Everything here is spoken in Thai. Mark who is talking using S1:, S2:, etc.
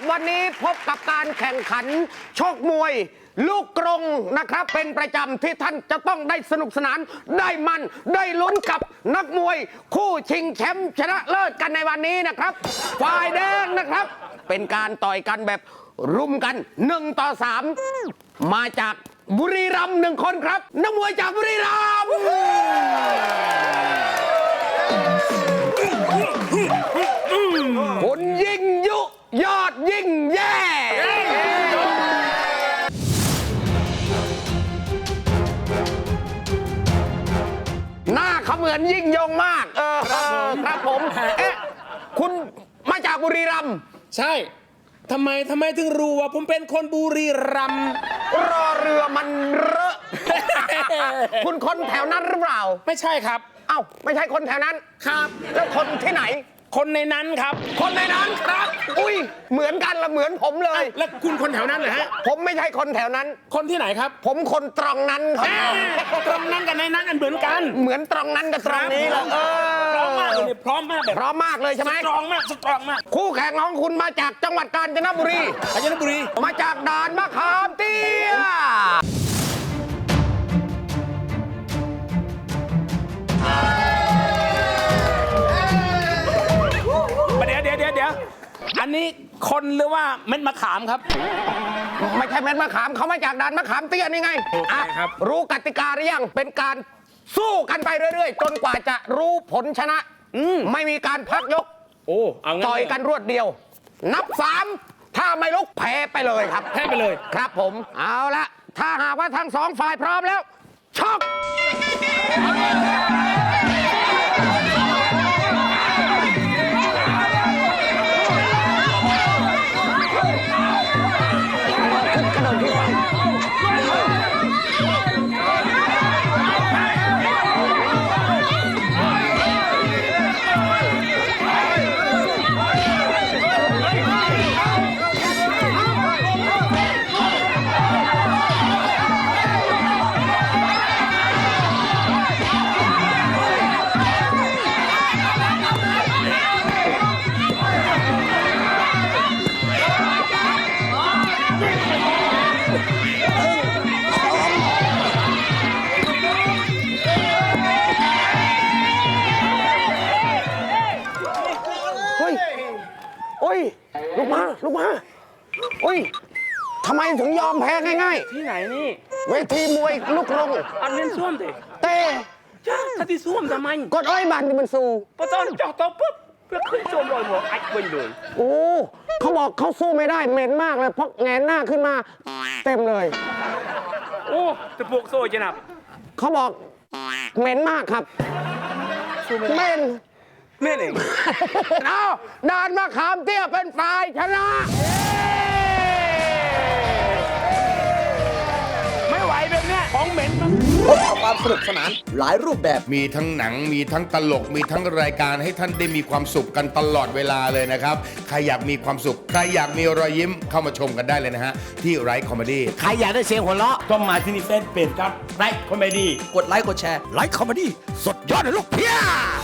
S1: วันนี้พบกับการแข่งขันชกมวย ลูกกรงนะครับเป็นประจำที่ท่านจะต้องได้สนุกสนานได้มันได้ลุ้นกับนักมวย คู่ชิงแชมป์ชนะเลิศกันในวันนี้นะครับฝ่ายแดงนะครับเป็นการต่อยกันแบบรุมกัน1 ต่อ 3มาจากบุรีรัมย์1 คนครับนักมวยจากบุรีรัมย์คุณยิ่งยุยอดยิ่งแย่หน้าเขาเหมือนยิ่งยงมากครับผมคุณมาจากบุรีรัมย์
S2: ใช่ทำไมถึงรู้ว่าผมเป็นคนบุรีรัมย์
S1: รอเรือมันเรอะ คุณคนแถวนั้นหรือเปล่า
S2: ไม่ใช่ครับ
S1: เอ้าไม่ใช่คนแถวนั้น
S2: ครับ
S1: แล้วคนที่ไหน
S2: คนในนั้นครับ
S1: คนในนั้นครับอุ้ยเหมือนกันละเหมือนผมเลย
S2: แล้วคุณคนแถวนั้นเหรอฮะ
S1: ผมไม่ใช่คนแถวนั้น
S2: คนที่ไหนครับ
S1: ผมคนตรงนั้นครับ
S2: ตรงนั้นกับในนั้นเหมือนกัน
S1: เหมือนตรงนั้นกับตรงนี้เลย
S2: พร้อมมากเลยพร้อมมากแบบ
S1: พร้อมมากเลยใช่ไหม
S2: สตรองมาก
S1: คู่แข่งของคุณมาจากจังหวัดกาญจนบุรีมาจากด่านมะขามเตี้ย
S2: เดี๋ยวอันนี้คนหรือว่าเม็ดมะขามครับ
S1: ไม่ใช่เม็ดมะขามเขามาจากด่านมะขามเตี้ยนี่ไง
S2: ครับ
S1: รู้กติกาหรือยังเป็นการสู้กันไปเรื่อยๆจนกว่าจะรู้ผลชนะไม่มีการพักยกต่อยกันรวดเดียวนับ3ถ้าไม่ลุกแพ้ไปเลยครับ
S2: แพ้ไปเลย
S1: ครับผมเอาละถ้าหากว่าทั้ง2 ฝ่ายพร้อมแล้วชกลุกมาอุ้ยทำไมถึงยอมแพ้ง่าย
S2: ๆที่ไหนนี่
S1: เวทีมวยลูกกรง
S2: อันนี้ส้วม
S1: เต้
S2: จ้าถ้าที่ส้วมทำไม
S1: กดอ้อยบันที่มันสู้
S2: พอตอนจ่อตัวปุ๊บเพื่อขึ้นส้วมลอยหัวไอ้เว้นเลย
S1: โอ้เขาบอกเขาสู้ไม่ได้เหม็นมากเลยเพราะแงนหน้าขึ้นมาเต็มเลย
S2: โอ้จะปลุกโซ่จะหนับ
S1: เขาบอกเหม็นมากครับเหม็น
S2: เอง
S1: เอาด่านมะขามเตี้ยเป็นฝ่ายชนะ
S2: ไม่ไหวแบบนี้ของเหม็นมัน
S3: พบกับความสนุกสนานหลายรูปแบบ
S4: มีทั้งหนังมีทั้งตลกมีทั้งรายการให้ท่านได้มีความสุขกันตลอดเวลาเลยนะครับใครอยากมีความสุขใครอยากมีรอยยิ้มเข้ามาชมกันได้เลยนะฮะที่ไรคอมเมดี้
S3: ใครอยากได้เสียงหัวเราะ
S2: ต้องมาที่นี่เฟซเพจครับไรคอมเมดี้
S3: กดไลค์กดแชร์
S1: ไรคอมเมดี้สุดยอดเลยลูกเพี้ย